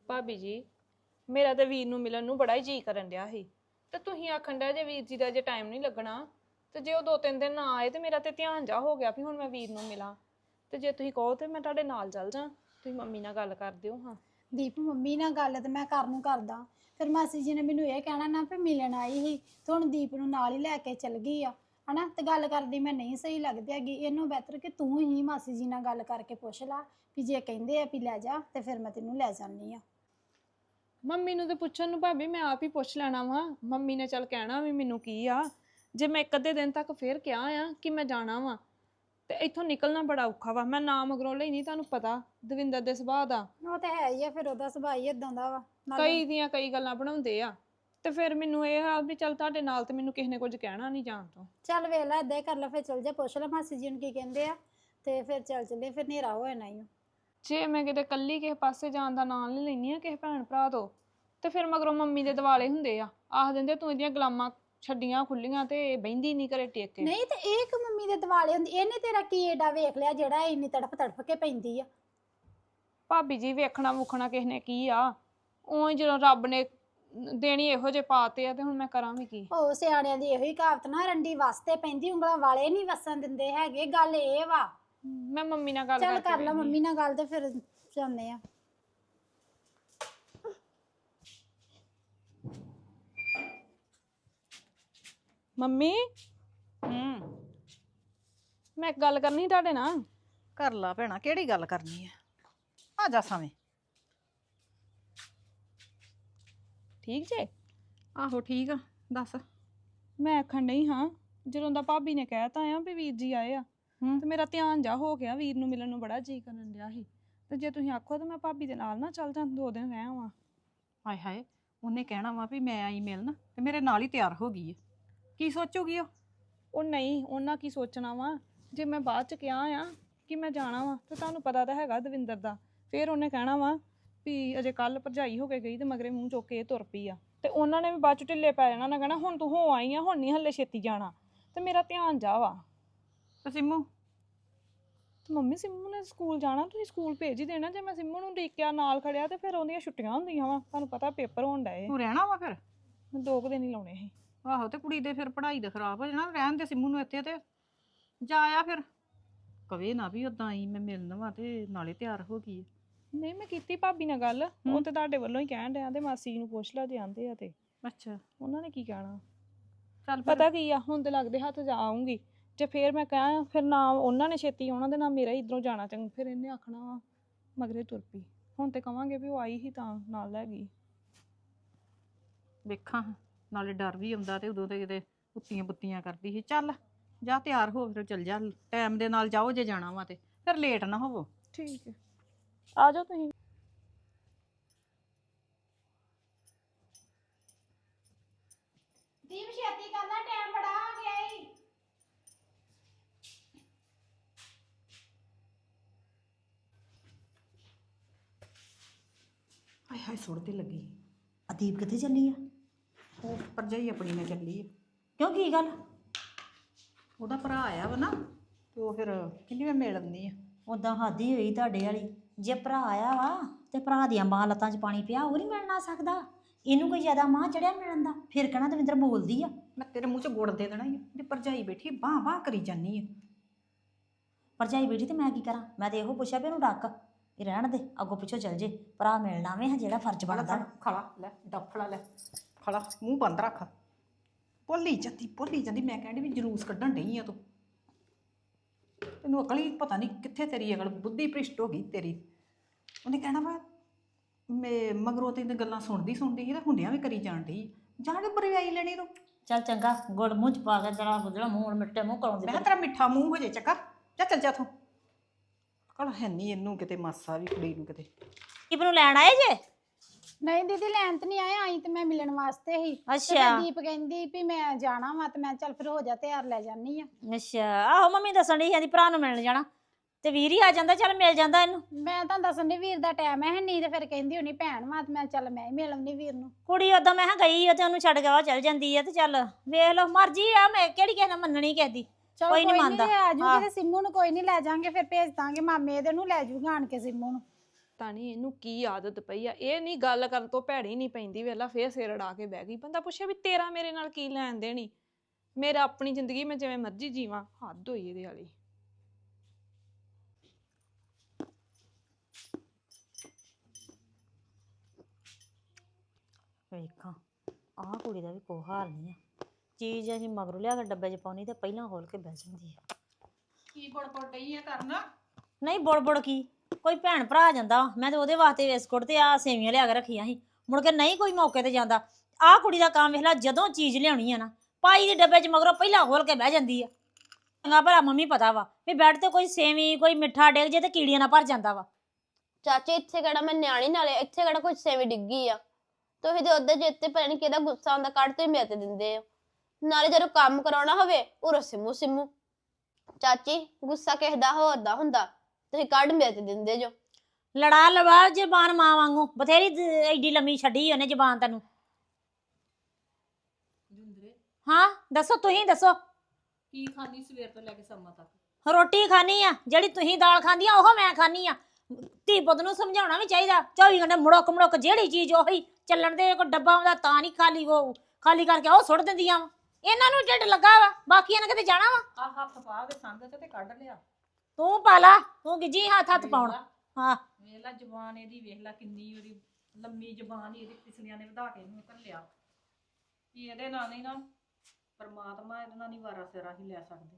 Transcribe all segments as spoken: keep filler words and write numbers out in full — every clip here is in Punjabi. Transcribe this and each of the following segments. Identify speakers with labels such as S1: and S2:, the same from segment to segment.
S1: ਭਾਬੀ ਜੀ ਮੇਰਾ ਤੇ ਵੀਰ ਨੂੰ ਮਿਲਣ ਨੂੰ ਬੜਾ ਹੀ ਜੀ ਕਰਨ ਡਿਆ ਸੀ ਤੇ ਤੁਸੀਂ ਆਖਣ ਡਿਆ ਜੇ ਵੀਰ ਜੀ ਦਾ ਜੇ ਟਾਈਮ ਨਹੀਂ ਲੱਗਣਾ ਤੇ ਜੇ ਉਹ ਦੋ ਤਿੰਨ ਦਿਨ ਨਾ ਆਏ ਤੇ ਮੇਰਾ ਤੇ ਧਿਆਨ ਜਾ ਹੋ ਗਿਆ ਵੀ ਹੁਣ ਮੈਂ ਵੀਰ ਨੂੰ ਮਿਲਾਂ ਤੇ ਜੇ ਤੁਸੀਂ ਕਹੋ ਤੇ ਮੈਂ ਤੁਹਾਡੇ ਨਾਲ ਚੱਲ ਜਾ। ਤੁਸੀਂ ਮੰਮੀ ਨਾਲ ਗੱਲ ਕਰ ਦਿਓ। ਹਾਂ
S2: ਦੀਪ ਮੰਮੀ ਨਾਲ ਗੱਲ ਤੇ ਮੈਂ ਕਰਨ ਨੂੰ ਕਰਦਾ, ਫਿਰ ਮਾਸੀ ਜੀ ਨੇ ਮੈਨੂੰ ਇਹ ਕਹਿਣਾ ਨਾ ਵੀ ਮਿਲਣ ਆਈ ਸੀ ਤੇ ਹੁਣ ਦੀਪ ਨੂੰ ਨਾਲ ਹੀ ਲੈ ਕੇ ਚਲ ਗਈ ਆ ਹਨਾ, ਤੇ ਗੱਲ ਕਰਦੀ ਮੈਂ ਨਹੀਂ ਸਹੀ ਲੱਗਦੀ ਹੈਗੀ। ਇਹਨੂੰ ਬਿਹਤਰ ਕਿ ਤੂੰ ਹੀ ਮਾਸੀ ਜੀ ਨਾਲ ਗੱਲ ਕਰਕੇ ਪੁੱਛ ਲਾ ਵੀ ਜੇ ਕਹਿੰਦੇ ਆ ਵੀ ਲੈ ਜਾ ਤੇ ਫਿਰ ਮੈਂ ਤੈਨੂੰ ਲੈ ਜਾਂਦੀ ਆ।
S1: ਮੰਮੀ ਨੂੰ ਤੇ ਪੁੱਛਣ ਨੂੰ ਭਾਬੀ ਮੈਂ ਆਪ ਹੀ ਪੁੱਛ ਲੈਣਾ ਵਾ। ਮੰਮੀ ਨੇ ਚੱਲ ਕਹਿਣਾ ਵੀ ਮੈਨੂੰ ਕੀ ਆ, ਜੇ ਮੈਂ ਇੱਕ ਅੱਧੇ ਦਿਨ ਤੱਕ ਫੇਰ ਕਿਹਾ ਆ ਕਿ ਮੈਂ ਜਾਣਾ ਵਾ ਤੇ ਇੱਥੋਂ ਨਿਕਲਣਾ ਬੜਾ ਔਖਾ ਵਾ। ਮੈਂ ਨਾ ਮਗਰੋਂ ਲਈ ਨਹੀਂ, ਤੁਹਾਨੂੰ ਪਤਾ ਦਵਿੰਦਰ ਦੇ ਸੁਭਾਅ ਦਾ।
S2: ਉਹ ਤਾਂ ਹੈ ਹੀ ਆ, ਫਿਰ ਉਹਦਾ ਸੁਭਾਅ ਹੀ ਇਦਾਂ ਦਾ ਵਾ।
S1: ਕਈ ਦੀਆਂ ਕਈ ਗੱਲਾਂ ਬਣਾਉਂਦੇ ਆ ਤੇ ਫਿਰ ਮੈਨੂੰ ਇਹ ਆ ਵੀ ਚੱਲ ਤੁਹਾਡੇ ਨਾਲ ਤੇ ਮੈਨੂੰ ਕਿਸੇ ਨੇ ਕੁਝ ਕਹਿਣਾ ਨਹੀਂ ਜਾਣ ਤੋਂ।
S2: ਚੱਲ ਵੇਖ ਲੈ ਏਦਾਂ ਹੀ ਕਰ ਲੈ, ਫਿਰ ਚੱਲ ਜਾ ਪੁੱਛ ਲੈ ਮਾਸੀ ਜੀ ਨੂੰ ਕੀ ਕਹਿੰਦੇ ਆ ਤੇ ਫਿਰ ਚੱਲ ਚੱਲੇ, ਫਿਰ ਹਨੇਰਾ ਹੋ ਜਾਣਾ ਹੀ।
S1: ਜੇ ਮੈਂ ਕਿਤੇ ਕੱਲੀ ਕਿਸੇ ਪਾਸੇ ਜਾਣ ਦਾ ਨਾਂ ਨਹੀਂ ਲੈਣੀ ਆ ਕਿਸੇ ਭੈਣ ਭਰਾ ਤੋਂ ਤੇ ਫਿਰ ਮਗਰੋਂ ਮੰਮੀ ਦੇ ਦਿਵਾਲੇ ਹੁੰਦੇ ਆ, ਆਖ ਦਿੰਦੇ ਤੂੰ ਇਹਦੀਆਂ ਗੁਲਾਮਾਂ ਛੱਡੀਆਂ ਖੁੱਲੀਆਂ ਤੇ ਬਹਿੰਦੀ ਨਹੀਂ ਘਰੇ ਟੇਕ ਕੇ।
S2: ਨਹੀਂ ਤੇ ਇਹ ਕਿ ਮੰਮੀ ਦੇ ਦਿਵਾਲੇ ਹੁੰਦੀ, ਇਹਨੇ ਤੇਰਾ ਕੀ ਏਡਾ ਵੇਖ ਲਿਆ ਜਿਹੜਾ ਇੰਨੀ ਤੜਫ ਤੜਫ ਕੇ ਪੈਂਦੀ ਆ।
S1: ਭਾਬੀ ਜੀ ਵੇਖਣਾ ਵੁਖਣਾ ਕਿਸ ਨੇ ਕੀ ਆ, ਉਹ ਜਦੋਂ ਰੱਬ ਨੇ ਦੇਣੀ ਇਹੋ ਜਿਹੇ ਪਾਤੇ ਆ ਤੇ ਹੁਣ ਮੈਂ ਕਰਾਂ ਵੀ ਕੀ।
S2: ਉਹ ਸਿਆਣਿਆਂ ਦੀ ਇਹੋ ਹੀ ਕਹਾਵਤ ਨਾ, ਰੰਡੀ ਵਾਸਤੇ ਪੈਂਦੀ ਉਂਗਲਾਂ ਵਾਲੇ ਨਹੀਂ ਵਸਣ ਦਿੰਦੇ ਹੈਗੇ। ਗੱਲ ਇਹ ਵਾ।
S1: ਮੈਂ ਮੰਮੀ ਨਾਲ ਗੱਲ
S2: ਚੱਲ ਕਰ ਲੈ ਮੰਮੀ ਨਾਲ ਗੱਲ ਤੇ ਫਿਰ ਜਾਂਦੇ ਆ।
S1: ਮੰਮੀ
S3: ਹੂੰ
S1: ਮੈਂ ਇੱਕ ਗੱਲ ਕਰਨੀ ਸੀ ਤੁਹਾਡੇ ਨਾਲ।
S3: ਕਰ ਲਾ ਭੈਣਾ, ਕਿਹੜੀ ਗੱਲ ਕਰਨੀ ਹੈ? ਆ ਜਾ ਸਾਵੇਂ।
S1: ਠੀਕ ਜੇ?
S3: ਆਹੋ ਠੀਕ ਆ, ਦੱਸ।
S1: ਮੈਂ ਆਖਣ ਨਹੀਂ ਹਾਂ ਜਦੋਂ ਦਾ ਭਾਬੀ ਨੇ ਕਹਿਤਾ ਆ ਵੀ ਵੀਰ ਜੀ ਆਏ ਆ
S3: ਹੂੰ
S1: ਤੇ ਮੇਰਾ ਧਿਆਨ ਜਾ ਹੋ ਗਿਆ, ਵੀਰ ਨੂੰ ਮਿਲਣ ਨੂੰ ਬੜਾ ਜੀ ਕਰਨ ਡਿਆ ਸੀ ਤੇ ਜੇ ਤੁਸੀਂ ਆਖੋ ਤਾਂ ਮੈਂ ਭਾਬੀ ਦੇ ਨਾਲ ਨਾ ਚੱਲ ਜਾਂ, ਦੋ ਦਿਨ ਰਹਿ ਆਵਾਂ।
S3: ਹਾਏ ਹਾਏ, ਉਹਨੇ ਕਹਿਣਾ ਵਾ ਵੀ ਮੈਂ ਆਈ ਮਿਲਣ ਤੇ ਮੇਰੇ ਨਾਲ ਹੀ ਤਿਆਰ ਹੋ ਗਈ ਹੈ। ਕੀ ਸੋਚੂਗੀ ਉਹ?
S1: ਉਹ ਨਹੀਂ, ਉਹਨਾਂ ਕੀ ਸੋਚਣਾ ਵਾ ਜੇ ਮੈਂ ਬਾਅਦ ਚ ਕਿਹਾ ਆ ਕਿ ਮੈਂ ਜਾਣਾ ਵਾ ਤੇ ਤੁਹਾਨੂੰ ਪਤਾ ਤਾਂ ਹੈਗਾ ਦਵਿੰਦਰ ਦਾ, ਫਿਰ ਉਹਨੇ ਕਹਿਣਾ ਵਾ ਵੀ ਅਜੇ ਕੱਲ ਭਰਜਾਈ ਹੋ ਕੇ ਗਈ ਤੇ ਮਗਰੇ ਮੂੰਹ ਚੁੱਕ ਕੇ ਇਹ ਤੁਰ ਪਈ ਆ ਤੇ ਉਹਨਾਂ ਨੇ ਵੀ ਬਾਅਦ ਚ ਢਿੱਲੇ ਪੈ ਜਾਣਾ ਨਾ, ਕਹਿਣਾ ਹੁਣ ਤੂੰ ਹੋ ਆਈ ਆ, ਹੁਣ ਨਹੀਂ ਹੱਲੇ ਛੇਤੀ ਜਾਣਾ ਤੇ ਮੇਰਾ ਧਿਆਨ ਜਾ ਵਾ।
S3: ਤੇ ਸਿੰਮੂ?
S1: ਤੇ ਮੰਮੀ ਸਿੰਮੂ ਨੇ ਸਕੂਲ ਜਾਣਾ, ਤੁਸੀਂ ਸਕੂਲ ਭੇਜ ਹੀ ਦੇਣਾ। ਜੇ ਮੈਂ ਸਿੰਮੂ ਨੂੰ ਡੀਕਿਆ ਨਾਲ ਖੜਿਆ ਤੇ ਫਿਰ ਉਹਦੀਆਂ ਛੁੱਟੀਆਂ ਹੁੰਦੀਆਂ ਵਾ, ਤੁਹਾਨੂੰ ਪਤਾ ਪੇਪਰ ਹੋਣ ਡਏ।
S3: ਤੂੰ ਰਹਿਣਾ ਵਾ ਫਿਰ?
S1: ਮੈਂ ਦੋ ਕੁ ਦਿਨ ਹੀ ਲਾਉਣੇ ਸੀ।
S3: ਆਹੋ, ਤੇ ਕੁੜੀ ਦੇ ਫਿਰ ਪੜ੍ਹਾਈ ਦਾ ਖਰਾਬ ਹੋ ਜਾਣਾ। ਰਹਿਣ ਦੇ ਸਿੰਮੂ ਨੂੰ ਇੱਥੇ ਤੇ ਜਾ ਆ ਫਿਰ। ਕਵੇ ਨਾ ਵੀ ਉਦਾਂ ਆਈ ਮੈਂ ਮਿਲਣ ਵਾ ਤੇ ਨਾਲੇ ਤਿਆਰ ਹੋ ਗਈ।
S1: ਨਹੀਂ ਮੈਂ ਕੀਤੀ ਭਾਬੀ ਨਾਲ ਗੱਲ, ਉਹ ਤੇ ਤੁਹਾਡੇ ਵੱਲੋਂ ਹੀ ਕਹਿਣ ਡਿਆ ਤੇ ਮਾਸੀ ਨੂੰ ਪੁੱਛ ਲਾ ਜੇ ਆਂਦੇ ਆ ਤੇ।
S3: ਅੱਛਾ,
S1: ਉਹਨਾਂ ਨੇ ਕੀ ਕਹਿਣਾ?
S3: ਚੱਲ
S1: ਪਤਾ ਕੀ ਆ, ਹੁਣ ਤੇ ਲੱਗਦੇ ਹੱਥ ਜਾ ਆਉਂਗੀ, ਜੇ ਫੇਰ ਮੈਂ ਕਹਾਂ ਫਿਰ ਨਾ ਉਹਨਾਂ ਨੇ ਛੇਤੀ ਆਉਣਾ ਤੇ ਨਾ ਮੇਰਾ ਹੀ ਇੱਧਰੋਂ ਜਾਣਾ ਚੰਗਾ, ਫਿਰ ਇਹਨੇ ਆਖਣਾ ਵਾ ਮਗਰੇ ਤੁਰ ਪਈ। ਹੁਣ ਤੇ ਕਵਾਂਗੇ ਵੀ ਉਹ ਆਈ ਹੀ ਤਾਂ ਨਾਲ ਲੈ ਗਈ।
S3: ਵੇਖਾਂ, ਨਾਲੇ ਡਰ ਵੀ ਆਉਂਦਾ ਤੇ ਉਦੋਂ ਤੇ ਕਿਤੇ ਉੱਤੀਆਂ ਬੁੱਤੀਆਂ ਕਰਦੀ ਸੀ। ਚੱਲ ਜਾ ਤਿਆਰ ਹੋ, ਫਿਰ ਚੱਲ ਜਾ, ਟਾਈਮ ਦੇ ਨਾਲ ਜਾਓ ਜੇ ਜਾਣਾ ਵਾ ਤੇ, ਫਿਰ ਲੇਟ ਨਾ ਹੋਵੋ।
S1: ਠੀਕ ਹੈ, ਆ ਜਾਓ ਤੁਸੀਂ।
S2: ਦੀਪ ਛੇਤੀ ਕਰ ਲੈ, ਟਾਈਮ ਬੜਾ ਹੋ ਗਿਆ ਈ।
S3: ਹਾਏ ਹਾਏ, ਸੁੱਟ ਤੇ ਲੱਗੀ।
S4: ਅਦੀਪ ਕਿੱਥੇ ਚੱਲੀ ਆ?
S3: ਉਹ ਭਰਜਾਈ ਆਪਣੀ ਨਾਲ ਚੱਲੀ ਆ।
S4: ਕਿਉਂ ਕੀ ਗੱਲ?
S3: ਉਹਦਾ ਭਰਾ ਆਇਆ ਵਾ ਨਾ ਤੇ ਉਹ ਫਿਰ ਕਹਿੰਦੀ ਮੈਂ ਮਿਲ ਆਉਂਦੀ ਆ।
S4: ਉਦਾਂ ਹਾਦੀ ਹੋਈ ਤੁਹਾਡੇ ਵਾਲੀ। ਜੇ ਭਰਾ ਆਇਆ ਵਾ ਤੇ ਭਰਾ ਦੀਆਂ ਮਾਂ ਲੱਤਾਂ 'ਚ ਪਾਣੀ ਪਿਆ, ਉਹ ਨਹੀਂ ਮਿਲਣਾ ਸਕਦਾ। ਇਹਨੂੰ ਕੋਈ ਜ਼ਿਆਦਾ ਮਾਂ ਚੜਿਆ ਮਿਲਣ ਦਾ, ਫਿਰ ਕਹਿਣਾ ਦਵਿੰਦਰ ਬੋਲਦੀ ਆ।
S3: ਮੈਂ ਤੇਰੇ ਮੂੰਹ 'ਚ ਗੁੜ ਦੇ ਦੇਣਾ ਹੀ। ਤੇ ਭਰਜਾਈ ਬੈਠੀ ਬਾਹ ਬਾਹ ਕਰੀ ਜਾਨੀ ਆ।
S4: ਭਰਜਾਈ ਬੇਟੀ ਤੇ ਮੈਂ ਕੀ ਕਰਾਂ? ਮੈਂ ਤੇ ਇਹੋ ਪੁੱਛਿਆ ਵੀ ਇਹਨੂੰ ਡੱਕ, ਇਹ ਰਹਿਣ ਦੇ, ਅੱਗੋਂ ਪਿੱਛੋਂ ਚੱਲ ਜੇ। ਭਰਾ ਮਿਲਣਾ ਵੇ ਜਿਹੜਾ ਫਰਜ਼ ਬਣਦਾ।
S3: ਖੜਾ ਲੈ, ਡੱਫੜਾ ਲੈ, ਖੜਾ, ਮੂੰਹ ਬੰਦ ਰੱਖ। ਭੁੱਲੀ ਜਾਂਦੀ ਭੁੱਲੀ ਜਾਂਦੀ ਮੈਂ ਕਹਿੰਦੀ ਵੀ ਜਲੂਸ ਕੱਢਣ ਡਈ ਆ ਤੂੰ। ਤੈਨੂੰ ਅਕਲ ਹੀ ਪਤਾ ਨਹੀਂ ਕਿੱਥੇ, ਤੇਰੀ ਅਕਲ ਬੁੱਧੀ ਭ੍ਰਿਸ਼ਟ ਹੋ ਗਈ ਤੇਰੀ। ਉਹਨੇ ਕਹਿਣਾ ਵਾ ਮੈਂ ਮਗਰੋਂ ਤੇ ਗੱਲਾਂ ਸੁਣਦੀ ਸੁਣਦੀ ਸੀ ਤੇ ਹੁੰਦਿਆਂ ਵੀ ਕਰੀ ਜਾਣ ਡਈ। ਜਾ ਕੇ ਬਰਵਾਈ ਲੈਣੀ ਤੂੰ।
S4: ਚੱਲ ਚੰਗਾ, ਗੁੜ ਮੂੰਹ 'ਚ ਪਾ ਕੇ ਜਰਾ ਗੁਜਰਾ ਮੂੰਹ ਮਿੱਟੇ ਮੂੰਹ ਕਰਾਉਂਦੀ।
S3: ਮੈਂ ਕਿਹਾ ਤੇਰਾ ਮਿੱਠਾ ਮੂੰਹ ਹੋ ਜੇ ਚੱਕਾ, ਜਾ ਚੱਲ ਜਾ ਤੂੰ। ਅਕਲ ਹੈ ਨਹੀਂ ਇਹਨੂੰ ਕਿਤੇ, ਮਾਸਾ ਵੀ ਕੁੜੀ ਨੂੰ ਕਿਤੇ।
S4: ਦੀਪ ਨੂੰ ਲੈਣ ਆਏ ਜੇ?
S2: ਨਹੀਂ ਦੀਦੀ, ਲੈਣ ਤੇ ਨਹੀਂ ਆਏ, ਆਈ ਤੇ ਮੈਂ ਮਿਲਣ ਵਾਸਤੇ ਹੀ।
S4: ਅੱਛਾ।
S2: ਦੀਪ ਕਹਿੰਦੀ ਵੀ ਮੈਂ ਜਾਣਾ ਵਾ ਤੇ ਮੈਂ ਚੱਲ ਫਿਰ ਹੋ ਜਾ ਤਿਆਰ, ਲੈ ਜਾਨੀ ਆ।
S4: ਅੱਛਾ, ਆਹੋ ਮੰਮੀ ਦੱਸਣ ਡਈ ਸੀ ਭਰਾ ਨੂੰ ਮਿਲਣ ਜਾਣਾ ਤੇ ਵੀਰ ਹੀ ਆ ਜਾਂਦਾ, ਚੱਲ ਮਿਲ ਜਾਂਦਾ ਇਹਨੂੰ।
S2: ਮੈਂ ਤਾਂ ਦੱਸਣ ਦੀ ਵੀਰ ਦਾ ਟਾਈਮ ਹੈ ਨਹੀਂ ਤੇ ਫਿਰ ਕਹਿੰਦੀ ਹੋਣੀ ਭੈਣ ਵਾ ਤੇ ਮੈਂ ਚੱਲ ਮੈਂ ਹੀ ਮਿਲ ਆਉਂਦੀ ਵੀਰ ਨੂੰ।
S4: ਕੁੜੀ ਉਦੋਂ ਮੈਂ ਕਿਹਾ ਗਈ ਆ ਤੇ ਉਹਨੂੰ ਛੱਡ ਗਿਆ ਚੱਲ ਜਾਂਦੀ ਆ ਤੇ ਚੱਲ ਵੇਖ ਲਓ ਮਰਜ਼ੀ ਆ, ਮੈਂ ਕਿਹੜੀ ਕਿਸੇ ਨਾਲ ਮੰਨਣੀ ਕਿਸੇ ਦੀ।
S2: ਚਲੋ
S4: ਕੋਈ ਨੀ
S2: ਕੋਈ
S4: ਮੰਨਦਾ।
S2: ਨਹੀਂ, ਆ ਜੂਗੀ ਤੇ ਸਿੰਮੂ ਨੂੰ ਕੋਈ ਨਹੀਂ ਲੈ ਜਾਾਂਗੇ, ਫਿਰ ਭੇਜ ਦਾਂਗੇ ਮਾਮੇ ਇਹਦੇ ਨੂੰ, ਲੈ ਜੂਗਾ ਆਣ ਕੇ ਸਿੰਮੂ ਨੂੰ।
S1: ਪਤਾ ਨਹੀਂ ਇਹਨੂੰ ਕੀ ਆਦਤ ਪਈ ਆ। ਇਹ ਨਹੀਂ ਗੱਲ ਕਰਨ ਤੋਂ ਭੈੜੀ ਨਹੀਂ ਪੈਂਦੀ, ਵੇਲਾ ਫੇਰ ਸਿਰ ਅੜਾ ਕੇ ਬਹਿ ਗਈ। ਬੰਦਾ ਪੁੱਛੇ ਵੀ ਤੇਰਾ ਮੇਰੇ ਨਾਲ ਕੀ ਲੈਣ ਦੇਣੀ, ਮੇਰਾ ਆਪਣੀ ਜ਼ਿੰਦਗੀ ਮੈਂ ਜਿਵੇਂ ਮਰਜ਼ੀ ਜੀਵਾਂ। ਹੱਦ ਹੋਈ ਇਹਦੇ ਵਾਲੀ।
S4: ਵੇਖਾਂ ਆਹ ਕੁੜੀ ਦਾ ਵੀ ਕੋਈ ਹਾਲ ਨਹੀਂ ਆ। ਚੀਜ਼ ਅਸੀਂ ਮਗਰੋਂ ਲਿਆ ਕੇ ਡੱਬੇ 'ਚ ਪਾਉਣੀ ਤੇ ਪਹਿਲਾਂ ਖੋਲ ਕੇ ਬਹਿ ਜਾਂਦੀ ਆ।
S3: ਕੀ ਬੜਬੜ ਡਈ ਆ ਕਰਨਾ?
S4: ਨਹੀਂ ਬੁੜ ਬੁੜ ਕੀ, ਕੋਈ ਭੈਣ ਭਰਾ ਆ ਜਾਂਦਾ ਵਾ, ਮੈਂ ਤੇ ਉਹਦੇ ਵਾਸਤੇ ਬਿਸਕੁਟ ਤੇ ਆ ਸੇਵੀਆਂ ਲਿਆ ਕੇ ਰੱਖੀਆਂ ਸੀ। ਮੁੜ ਕੇ ਨਹੀਂ ਕੋਈ ਮੌਕੇ ਤੇ ਜਾਂਦਾ। ਆਹ ਕੁੜੀ ਦਾ ਕੰਮ ਵੇਖ ਲਾ, ਜਦੋਂ ਚੀਜ਼ ਲਿਆਉਣੀ ਆ ਨਾ ਪਾਈ ਦੇ ਡੱਬੇ 'ਚ ਮਗਰੋਂ ਪਹਿਲਾਂ ਖੋਲ ਕੇ ਬਹਿ ਜਾਂਦੀ ਆ। ਚੰਗਾ ਭਲਾ ਮੰਮੀ ਪਤਾ ਵਾ ਵੀ ਬੈੱਡ ਤੇ ਕੋਈ ਸੇਵੀਂ ਕੋਈ ਮਿੱਠਾ ਡਿੱਗ ਜੇ ਤੇ ਕੀੜੀਆਂ ਨਾਲ ਭਰ ਜਾਂਦਾ ਵਾ।
S5: ਚਾਚੇ ਇੱਥੇ ਕਿਹੜਾ ਮੈਂ ਨਿਆਣੀ, ਨਾਲੇ ਇੱਥੇ ਕਿਹੜਾ ਕੁਝ ਸੇਵੀ ਡਿੱਗੀ ਆ। ਤੁਸੀਂ ਤੇ ਉਹਦੇ ਜਿੱਤੇ ਪਤਾ ਨਹੀਂ ਕਿਹਦਾ ਗੁੱਸਾ ਆਉਂਦਾ ਕੱਢ ਤੇ ਮੇਰੇ ਤੇ ਦਿੰਦੇ ਆ। ਨਾਲੇ ਜਦੋਂ ਕੰਮ ਕਰਾਉਣਾ ਹੋਵੇ ਉਰੋਂ ਸਿੰਮੂ ਸਿੰਮੂ। ਚਾਚੀ ਗੁੱਸਾ ਕਿਸੇ ਦਾ ਹੋਰ ਦਾ ਹੁੰਦਾ, ਤੁਸੀਂ ਕੱਢ ਮੇਰੇ ਤੇ ਦਿੰਦੇ ਜੋ।
S4: ਲੜਾ ਲਵਾ ਜ਼ਬਾਨ ਮਾਂ ਵਾਂਗੂ, ਬਥੇਰੀ ਦ- ਐਡੀ ਲੰਮੀ ਛੱਡੀ ਉਹਨੇ ਜ਼ਬਾਨ ਤੈਨੂੰ।
S3: ਜਿੰਦਰੇ
S4: ਹਾਂ ਦੱਸੋ, ਤੁਸੀਂ ਦੱਸੋ।
S3: ਕੀ ਖਾਂਦੀ ਸਵੇਰ ਤੋਂ ਲੈ ਕੇ ਸ਼ਾਮਾਂ ਤੱਕ?
S4: ਰੋਟੀ ਖਾਣੀ ਆ ਜਿਹੜੀ ਤੁਸੀਂ ਦਾਲ ਖਾਂਦੀ ਆ ਉਹ ਮੈਂ ਖਾਣੀ ਆ। ਧੀ ਪੁੱਤ ਨੂੰ ਸਮਝਾਉਣਾ ਵੀ ਚਾਹੀਦਾ। ਚੌਵੀ ਘੰਟੇ ਮੁੜਕ ਮੁੜਕ ਜਿਹੜੀ ਚੀਜ਼ ਉਹੀ ਚੱਲਣ ਦੇ। ਕੋਈ ਡੱਬਾ ਆਉਂਦਾ ਤਾਂ ਨਹੀਂ ਖਾਲੀ, ਉਹ ਖਾਲੀ ਕਰਕੇ ਉਹ ਸੁੱਟ ਦਿੰਦੀਆਂ ਵਾ। ਇਹਨਾਂ ਨੂੰ ਢਿੱਡ ਲੱਗਾ ਵਾ, ਬਾਕੀਆਂ ਨੇ ਕਿਤੇ ਜਾਣਾ ਵਾ।
S3: ਆ ਹੱਥ ਪਾ ਕੇ ਸੰਗ ਚ ਤੇ ਕੱਢ ਲਿਆ।
S4: ਤੂੰ ਪਾ ਲਾ, ਤੂੰ ਗਿੱਜੀ ਹੱਥ ਹੱਥ ਪਾਉਣ। ਹਾਂ
S3: ਵੇਖ ਲਾ ਜ਼ਬਾਨ ਇਹਦੀ, ਵੇਖ ਲਾ ਕਿੰਨੀ ਉਹਦੀ ਲੰਮੀ ਜ਼ਬਾਨ ਹੀ ਇਹਦੀ, ਪਿਛਲੀਆਂ ਨੇ ਵਧਾ ਕੇ ਇਹਨੂੰ ਘੱਲਿਆ। ਕੀ ਇਹਦੇ ਨਾਲ ਨਹੀਂ ਨਾ ਪਰਮਾਤਮਾ ਇਹਦੇ ਨਾਲ ਨਹੀਂ ਵਾਰਾ ਸਿਰਾ ਹੀ ਲੈ ਸਕਦੇ।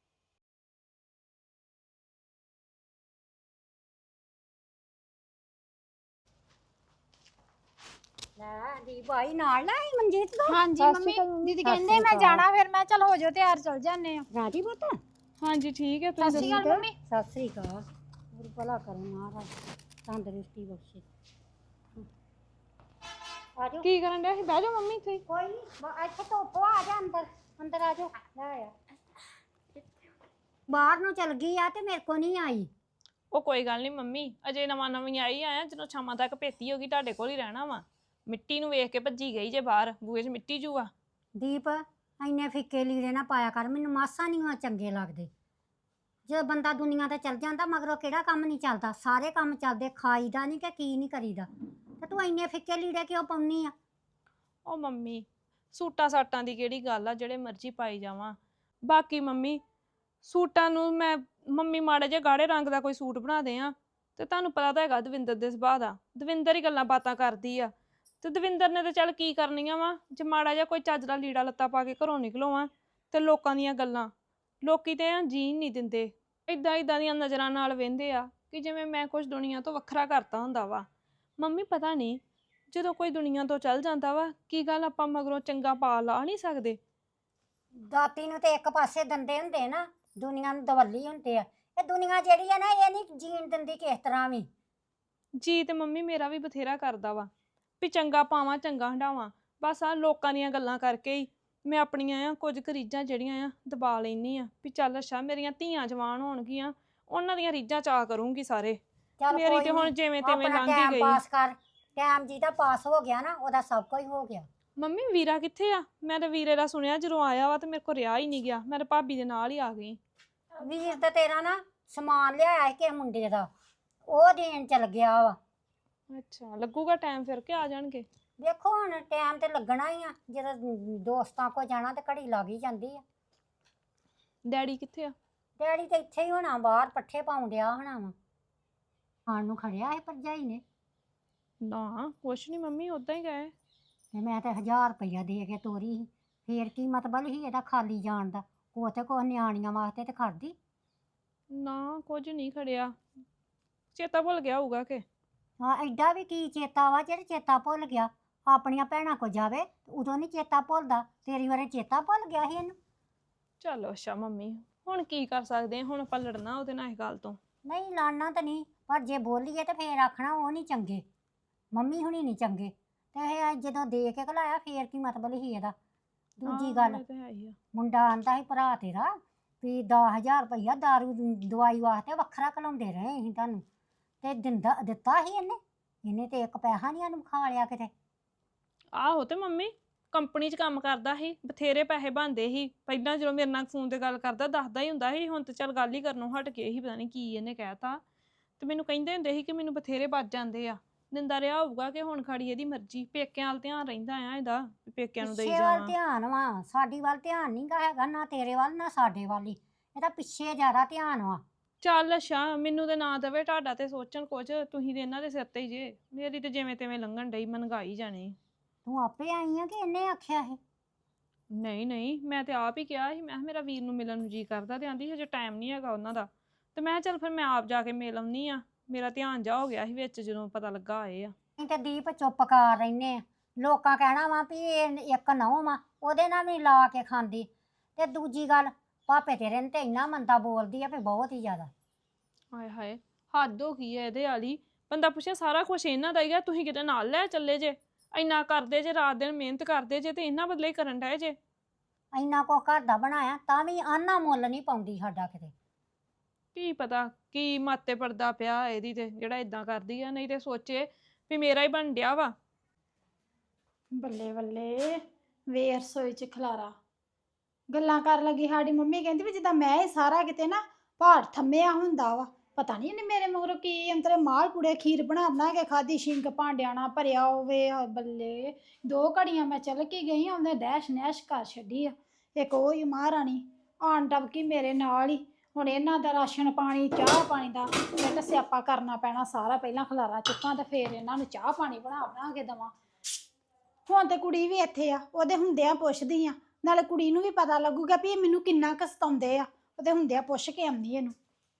S6: ਲੈ ਦੀ ਭਾਈ ਨਾਲ ਨਾ ਆਈ ਮਨਜੀਤ ਦਾ।
S2: ਹਾਂਜੀ ਮੰਮੀ, ਦੀਦੀ ਕਹਿੰਦੇ ਮੈਂ ਜਾਣਾ, ਫਿਰ ਮੈਂ ਚਲ ਹੋ ਜਾਓ ਤਿਆਰ, ਚਲ ਜਾਂਦੇ ਆ।
S6: ਰਾਜੀ ਪੁੱਤ
S1: ਹਾਂਜੀ ਠੀਕ ਹੈ।
S2: ਸਤਿ
S1: ਤੁਸੀਂ
S2: ਸ਼੍ਰੀ ਅਕਾਲ ਮੰਮੀ।
S6: ਸਤਿ ਸ੍ਰੀ ਅਕਾਲ। ਗੁਰੂ ਭਲਾ ਕਰੇ ਮਹਾਰਾਜ, ਤੰਦਰੁਸਤੀ ਬਖਸ਼ੇ। ਆਜੋ
S1: ਕੀ ਕਰਨ ਡਿਆ ਸੀ? ਬਹਿ ਜਾਓ ਮੰਮੀ ਇੱਥੇ।
S6: ਕੋਈ ਨਹੀਂ, ਇੱਥੇ ਧੁੱਪ ਆ, ਜਾ ਅੰਦਰ ਅੰਦਰ ਆ ਜਾ। ਲੈ ਆ ਬਾਹਰ ਨੂੰ ਚਲ ਗਈ ਆ ਤੇ ਮੇਰੇ ਕੋ ਨਹੀਂ ਆਈ।
S1: ਉਹ ਕੋਈ ਗੱਲ ਨਹੀਂ ਮੰਮੀ, ਅਜੇ ਨਵਾਂ ਨਵੀਂ ਆਈ ਆ। ਜਦੋਂ ਸ਼ਾਮਾਂ ਤੱਕ ਭੇਤੀ ਹੋ ਗਈ ਤੁਹਾਡੇ ਕੋਲ ਹੀ ਰਹਿਣਾ ਵਾ। ਮਿੱਟੀ ਨੂੰ ਵੇਖ ਕੇ ਭੱਜੀ ਗਈ ਜੇ ਬਾਹਰ, ਬੂਹੇ 'ਚ ਮਿੱਟੀ ਜੂ ਆ।
S6: ਦੀਪ ਇੰਨੇ ਫਿੱਕੇ ਲੀੜੇ ਨਾ ਪਾਇਆ ਕਰ, ਮੈਨੂੰ ਮਾਸਾ ਨਹੀਂ ਉਹ ਚੰਗੇ ਲੱਗਦੇ। ਜਦੋਂ ਬੰਦਾ ਦੁਨੀਆ ਤੇ ਚਲ ਜਾਂਦਾ ਮਗਰੋਂ ਕਿਹੜਾ ਕੰਮ ਨਹੀਂ ਚੱਲਦਾ, ਸਾਰੇ ਕੰਮ ਚੱਲਦੇ। ਖਾਈਦਾ ਨਹੀਂ ਕਿ ਕੀ ਨਹੀਂ ਕਰੀਦਾ। ਤੇ ਤੂੰ ਇੰਨੇ ਫਿੱਕੇ ਲੀੜੇ ਕਿਉਂ ਪਾਉਣੀ ਆ?
S1: ਉਹ ਮੰਮੀ ਸੂਟਾਂ ਸਾਟਾਂ ਦੀ ਕਿਹੜੀ ਗੱਲ ਆ, ਜਿਹੜੇ ਮਰਜ਼ੀ ਪਾਈ ਜਾਵਾਂ। ਬਾਕੀ ਮੰਮੀ ਸੂਟਾਂ ਨੂੰ ਮੈਂ ਮੰਮੀ ਮਾੜੇ ਜਿਹੇ ਗਾੜੇ ਰੰਗ ਦਾ ਕੋਈ ਸੂਟ ਬਣਾ ਦੇ ਆ ਤੇ ਤੁਹਾਨੂੰ ਪਤਾ ਤਾਂ ਹੈਗਾ ਦਵਿੰਦਰ ਦੇ ਸੁਭਾਅ ਦਾ। ਦਵਿੰਦਰ ਹੀ ਗੱਲਾਂ ਬਾਤਾਂ ਕਰਦੀ ਆ ਤੇ ਦਵਿੰਦਰ ਨੇ ਤਾਂ ਚੱਲ ਕੀ ਕਰਨੀਆਂ ਵਾ। ਜੇ ਮਾੜਾ ਜਿਹਾ ਕੋਈ ਚੱਜ ਦਾ ਲੀੜਾ ਲੱਤਾ ਪਾ ਕੇ ਘਰੋਂ ਨਿਕਲੋ ਆ ਤੇ ਲੋਕਾਂ ਦੀਆਂ ਗੱਲਾਂ, ਲੋਕੀ ਤੇ ਆ ਜੀਣ ਨਹੀਂ ਦਿੰਦੇ। ਇਦਾਂ ਇਦਾਂ ਦੀਆਂ ਨਜ਼ਰਾਂ ਨਾਲ ਵੇਂਦੇ ਆ ਕਿ ਜਿਵੇਂ ਮੈਂ ਕੁਝ ਦੁਨੀਆ ਤੋਂ ਵੱਖਰਾ ਕਰਤਾ ਹੁੰਦਾ ਵਾ। ਮੰਮੀ ਪਤਾ ਨਹੀਂ ਜਦੋਂ ਕੋਈ ਦੁਨੀਆ ਤੋਂ ਚੱਲ ਜਾਂਦਾ ਵਾ ਕੀ ਗੱਲ ਆਪਾਂ ਮਗਰੋਂ ਚੰਗਾ ਪਾ ਲਾ ਨਹੀਂ ਸਕਦੇ।
S6: ਦਾਤੀ ਨੂੰ ਤੇ ਇੱਕ ਪਾਸੇ ਦੰਦੇ ਹੁੰਦੇ ਨਾ, ਦੁਨੀਆ ਨੂੰ ਦਵੱਲੀ ਹੁੰਦੇ ਆ। ਇਹ ਦੁਨੀਆ ਜਿਹੜੀ ਆ ਨਾ, ਇਹ ਨਹੀਂ ਜੀਣ ਦਿੰਦੀ ਕਿਸ ਤਰ੍ਹਾਂ ਵੀ।
S1: ਜੀ ਤੇ ਮੰਮੀ ਮੇਰਾ ਵੀ ਬਥੇਰਾ ਕਰਦਾ ਵਾ ਵੀ ਚੰਗਾ ਪਾਵਾਂ ਚੰਗਾ ਹੰਡਾਵਾਂ, ਬਸ ਆ ਲੋਕਾਂ ਦੀਆਂ ਗੱਲਾਂ ਕਰਕੇ ਹੀ ਮੈਂ ਆਪਣੀਆਂ ਆ ਕੁਝ ਕੁ ਰੀਝਾਂ ਜਿਹੜੀਆਂ ਆ ਦਬਾ ਲੈਂਦੀ ਆ ਵੀ ਚੱਲ ਅੱਛਾ ਮੇਰੀਆਂ ਧੀਆਂ ਜਵਾਨ ਹੋਣਗੀਆਂ, ਉਹਨਾਂ ਦੀਆਂ ਰੀਝਾਂ ਚਾਅ ਕਰੂੰਗੀ ਸਾਰੇ।
S6: ਚੱਲ
S1: ਮੇਰੀ
S6: ਕੋਈ
S1: ਤੇ ਹੁਣ
S6: ਨੀ,
S1: ਜਿਵੇਂ ਤਿਵੇਂ
S6: ਆਪਣਾ
S1: ਲੰਘ ਹੀ
S6: ਟਾਈਮ
S1: ਗਈ।
S6: ਪਾਸ ਕਰ। ਟਾਈਮ ਜਿਹਦਾ ਪਾਸ ਹੋ ਗਿਆ ਨਾ, ਉਹਦਾ ਸਭ ਕੁਝ ਹੋ ਗਿਆ।
S1: ਮੰਮੀ ਵੀਰਾ ਕਿੱਥੇ ਆ? ਮੈਂ ਤਾਂ ਵੀਰੇ ਦਾ ਸੁਣਿਆ ਜਦੋਂ ਆਇਆ ਵਾ ਤੇ ਮੇਰੇ ਕੋਲ ਰਿਹਾ ਹੀ ਨਹੀਂ ਗਿਆ। ਮੈਂ ਤਾਂ ਭਾਬੀ ਦੇ ਨਾਲ ਹੀ ਆ ਗਈ।
S6: ਵੀਰ ਤੇ ਤੇਰਾ ਨਾ ਸਮਾਨ ਲਿਆਇਆ ਸੀ ਕਿਸੇ ਮੁੰਡੇ ਦਾ, ਉਹ ਦੇਣ ਚਲ ਗਿਆ ਵਾ।
S1: ਅੱਛਾ ਲੱਗੂਗਾ ਟਾਈਮ ਫਿਰ ਕੇ ਆ ਜਾਣਗੇ?
S6: ਵੇਖੋ ਹੁਣ ਟਾਈਮ ਤੇ ਲੱਗਣਾ ਹੀ ਆ, ਜਦੋਂ ਦੋਸਤਾਂ ਕੋਲ ਜਾਣਾ ਤੇ ਘੜੀ ਲੱਗ ਹੀ ਜਾਂਦੀ ਆ।
S1: ਡੈਡੀ ਕਿੱਥੇ ਆ?
S6: ਡੈਡੀ ਤੇ ਇੱਥੇ ਹੀ ਹੋਣਾ, ਬਾਹਰ ਪੱਠੇ ਪਾਉਣ ਡਿਆ ਹੋਣਾ ਵਾ। ਖਾਣ ਨੂੰ ਖੜਿਆ ਇਹ ਭਰਜਾਈ ਨੇ,
S1: ਨਾ ਕੁਛ ਨਹੀਂ ਮੰਮੀ, ਉਦਾਂ ਹੀ ਗਏ।
S6: ਤੇ ਮੈਂ ਤੇ ਹਜ਼ਾਰ ਰੁਪਈਆ ਦੇ ਕੇ ਤੋਰੀ ਸੀ। ਫੇਰ ਕੀ ਮਤਲਬ ਸੀ ਇਹਦਾ ਖਾਲੀ ਜਾਣ ਦਾ? ਉਹ ਤੇ ਕੁਛ ਨਿਆਣੀਆਂ ਵਾਸਤੇ ਤੇ ਖੜਦੀ।
S1: ਨਾ ਕੁਝ ਨਹੀਂ ਖੜਿਆ, ਚੇਤਾ ਭੁੱਲ ਗਿਆ ਹੋਊਗਾ ਕਿ।
S6: ਹਾਂ ਐਡਾ ਵੀ ਕੀ ਚੇਤਾ ਵਾ ਜਿਹੜੇ ਚੇਤਾ ਭੁੱਲ ਗਿਆ? ਆਪਣੀਆਂ ਭੈਣਾਂ ਕੋ ਜਾਵੇ ਉਦੋਂ ਨਹੀਂ ਚੇਤਾ ਭੁੱਲਦਾ, ਤੇਰੀ ਵਾਰੇ ਚੇਤਾ ਭੁੱਲ ਗਿਆ ਸੀ ਇਹਨੂੰ।
S1: ਚਲੋ ਅੱਛਾ ਮੰਮੀ ਹੁਣ ਕੀ ਕਰ ਸਕਦੇ ਹਾਂ, ਹੁਣ ਆਪਾਂ ਲੜਨਾ ਉਹਦੇ ਨਾਲ ਇਸ ਗੱਲ ਤੋਂ?
S6: ਨਹੀਂ ਲੜਨਾ ਤਾਂ ਨਹੀਂ, ਪਰ ਜੇ ਬੋਲੀਏ ਤੇ ਫੇਰ ਆਖਣਾ ਉਹ ਨਹੀਂ ਚੰਗੇ, ਮੰਮੀ ਹੁਣੀ ਨਹੀਂ ਚੰਗੇ। ਤੇ ਇਹ ਜਦੋਂ ਦੇ ਕੇ ਘਲਾਇਆ ਫੇਰ ਕੀ ਮਤਲਬ ਸੀ ਇਹਦਾ? ਦੂਜੀ
S1: ਹਾਂ,
S6: ਗੱਲ,
S1: ਇਹ ਤਾਂ ਹੈ ਹੀ ਆ।
S6: ਮੁੰਡਾ ਆਂਦਾ ਸੀ ਭਰਾ ਤੇਰਾ ਵੀ ਦਸ ਹਜ਼ਾਰ ਰੁਪਈਆ ਦਾਰੂ ਦੀ ਦਵਾਈ ਵਾਸਤੇ ਵੱਖਰਾ ਘਲਾਉਂਦੇ ਰਹੇ ਅਸੀਂ ਤੁਹਾਨੂੰ, ਤੇ ਦਿੰਦਾ ਦਿੱਤਾ ਸੀ ਇਹਨੇ? ਇਹਨੇ ਤੇ ਇੱਕ ਪੈਸਾ ਨਹੀਂ ਇਹਨੂੰ ਖਾ ਲਿਆ ਕਿਤੇ।
S1: ਆਹੋ ਤੇ ਮੰਮੀ ਕੰਪਨੀ 'ਚ ਕੰਮ ਕਰਦਾ ਸੀ, ਬਥੇਰੇ ਪੈਸੇ ਬਣਦੇ ਸੀ। ਪਹਿਲਾਂ ਜਦੋਂ ਮੇਰੇ ਨਾਲ ਫੋਨ ਤੇ ਗੱਲ ਕਰਦਾ ਦੱਸਦਾ ਹੀ ਹੁੰਦਾ ਸੀ, ਹੁਣ ਤੇ ਚੱਲ ਗੱਲ ਹੀ ਕਰਨੋਂ ਹਟ ਗਏ ਸੀ, ਪਤਾ ਨਹੀਂ ਕੀ ਇਹਨੇ ਕਹਿਤਾ। ਤੇ ਮੈਨੂੰ ਕਹਿੰਦੇ ਹੁੰਦੇ ਸੀ ਕਿ ਮੈਨੂੰ ਬਥੇਰੇ ਵੱਜ ਜਾਂਦੇ ਆ। ਦਿੰਦਾ ਰਿਹਾ ਹੋਊਗਾ ਕਿ ਹੁਣ ਖੜੀ ਇਹਦੀ ਮਰਜ਼ੀ, ਪੇਕਿਆਂ ਵੱਲ ਧਿਆਨ ਰਹਿੰਦਾ ਆ ਇਹਦਾ ਵੀ ਪੇਕਿਆਂ ਨੂੰ ਦੇਈ
S6: ਪਿੱਛੇ ਵੱਲ
S1: ਜਾਵਾਂ।
S6: ਧਿਆਨ ਵਾ, ਸਾਡੀ ਵੱਲ ਧਿਆਨ ਨਹੀਂ ਗਾ ਹੈਗਾ, ਨਾ ਤੇਰੇ ਵੱਲ ਨਾ ਸਾਡੇ ਵੱਲ ਹੀ। ਇਹਦਾ ਪਿੱਛੇ ਜ਼ਿਆਦਾ ਧਿਆਨ ਵਾ।
S1: ਚੱਲ ਅੱਛਾ, ਮੈਨੂੰ ਤੇ ਨਾ ਦਵੇ ਤੁਹਾਡਾ ਤੇ ਸੋਚਣ ਕੁਝ, ਤੁਸੀਂ ਤੇ ਇਹਨਾਂ ਦੇ ਸਿਰ ਤੇ ਹੀ ਜੇ। ਮੇਰੀ ਤੇ ਜਿਵੇਂ ਤਿਵੇਂ ਲੰਘਣ ਡਈ, ਮਨਗਾਈ ਜਾਣੀ।
S6: ਤੂੰ ਆਪੇ ਆਈ ਆ ਕਿ ਇਹਨੇ ਆਖਿਆ ਇਹ?
S1: ਨਹੀਂ ਨਹੀਂ, ਮੈਂ ਤੇ ਆਪ ਹੀ ਕਿਹਾ ਸੀ, ਮੈਂ ਕਿਹਾ ਮੇਰਾ ਵੀਰ ਨੂੰ ਮਿਲਣ ਨੂੰ ਜੀ ਕਰਦਾ, ਤੇ ਆਂਦੀ ਹਜੇ ਟਾਈਮ ਨਹੀਂ ਹੈਗਾ ਉਹਨਾਂ ਦਾ। ਤੇ ਮੈਂ ਕਿਹਾ ਚੱਲ ਫਿਰ ਮੈਂ ਆਪ ਜਾ ਕੇ ਮਿਲ ਆਉਂਦੀ ਆ। ਮੇਰਾ ਧਿਆਨ ਜਾ ਹੋ ਗਿਆ ਸੀ ਵਿੱਚ ਜਦੋਂ ਪਤਾ ਲੱਗਾ ਆਏ ਆ।
S6: ਅਸੀਂ ਤੇ ਦੀਪ ਚੁੱਪ ਕਰ ਰਹਿੰਦੇ ਆ। ਲੋਕਾਂ ਕਹਿਣਾ ਵਾ ਵੀ ਇਹ ਇੱਕ ਨਹੁੰ ਵਾ, ਉਹਦੇ ਨਾਲ ਵੀ ਲਾ ਕੇ ਖਾਂਦੀ। ਤੇ ਦੂਜੀ ਗੱਲ, ਭਾਪੇ ਤੇਰੇ ਨੇ ਤੇ ਇੰਨਾ ਮੰਦਾ ਬੋਲਦੀ ਆ ਵੀ ਬਹੁਤ ਹੀ ਜ਼ਿਆਦਾ।
S1: ਹਾਏ ਹਾਏ, ਹੱਦ ਹੋ ਗਈ ਐ ਇਹਦੇ ਵਾਲੀ। ਬੰਦਾ ਪੁੱਛੇ ਸਾਰਾ ਕੁਝ ਇਹਨਾਂ ਦਾ ਹੀ ਆ, ਤੁਸੀਂ ਕਿਤੇ ਨਾਲ ਲੈ ਚੱਲੇ ਜੇ। ਇੰਨਾ ਕਰਦੇ ਜੇ, ਰਾਤ ਦਿਨ ਮਿਹਨਤ ਕਰਦੇ ਜੇ, ਤੇ ਇਹਨਾਂ ਬਦਲੇ ਹੀ ਕਰਨ ਡਏ ਜੇ।
S6: ਇੰਨਾ ਕੁ ਘਰ ਦਾ ਬਣਾਇਆ ਤਾਂ ਵੀ ਆਨਾ ਮੁੱਲ ਨਹੀਂ ਪਾਉਂਦੀ ਸਾਡਾ ਕਿਤੇ।
S1: ਕੀ ਪਤਾ ਕੀ ਮਾਤੇ ਪੜਦਾ ਪਿਆ ਇਹਦੀ ਤੇ, ਜਿਹੜਾ ਇਦਾਂ ਕਰਦੀ ਆ। ਨਹੀਂ ਤੇ ਸੋਚੇ ਵੀ ਮੇਰਾ ਹੀ ਬਣ ਡਿਆ ਵਾ।
S2: ਬੱਲੇ ਬੱਲੇ, ਵੇ ਰਸੋਈ ਚ ਖਲਾਰਾ ਗੱਲਾਂ ਕਰਨ ਲੱਗੀ। ਸਾਡੀ ਮੰਮੀ ਕਹਿੰਦੀ ਵੀ ਜਿੱਦਾਂ ਮੈਂ ਹੀ ਸਾਰਾ ਕਿਤੇ ਨਾ ਭਾਰ ਥੰਮਿਆ ਹੁੰਦਾ ਵਾ। ਪਤਾ ਨਹੀਂ ਇਹਨੇ ਮੇਰੇ ਮਗਰੋਂ ਕੀ ਅੰਤਰੇ ਮਾਲ ਪੂੜੇ ਖੀਰ ਬਣਾ ਬਣਾ ਕੇ ਖਾਦੀ, ਸ਼ਿੰਕ ਭਾਂਡਿਆਂ ਨਾਲ ਭਰਿਆ ਹੋਵੇ। ਬੱਲੇ, ਦੋ ਘੜੀਆਂ ਮੈਂ ਚੱਲ ਕੇ ਗਈ, ਉਹਨੇ ਡੈਸ਼ ਨੈਸ਼ ਕਰ ਛੱਡੀ ਆ। ਇੱਕ ਉਹ ਹੀ ਮਹਾਰਾਣੀ ਆਣ ਟਪਕੀ ਮੇਰੇ ਨਾਲ ਹੀ। ਹੁਣ ਇਹਨਾਂ ਦਾ ਰਾਸ਼ਨ ਪਾਣੀ, ਚਾਹ ਪਾਣੀ ਦਾ ਮੈਨੂੰ ਸਿਆਪਾ ਕਰਨਾ ਪੈਣਾ ਸਾਰਾ। ਪਹਿਲਾਂ ਖਲਾਰਾ ਚੁੱਕਾਂ ਤੇ ਫਿਰ ਇਹਨਾਂ ਨੂੰ ਚਾਹ ਪਾਣੀ ਬਣਾ ਬਣਾ ਕੇ ਦੇਵਾਂ। ਹੁਣ ਤੇ ਕੁੜੀ ਵੀ ਇੱਥੇ ਆ, ਉਹਦੇ ਹੁੰਦਿਆਂ ਪੁੱਛਦੀ ਆ, ਨਾਲੇ ਕੁੜੀ ਨੂੰ ਵੀ ਪਤਾ ਲੱਗੂਗਾ ਵੀ ਇਹ ਮੈਨੂੰ ਕਿੰਨਾ ਕੁ ਸਤਾਉਂਦੇ ਆ। ਉਹਦੇ ਹੁੰਦਿਆਂ ਪੁੱਛ ਕੇ ਆਉਂਦੀ ਇਹਨੂੰ।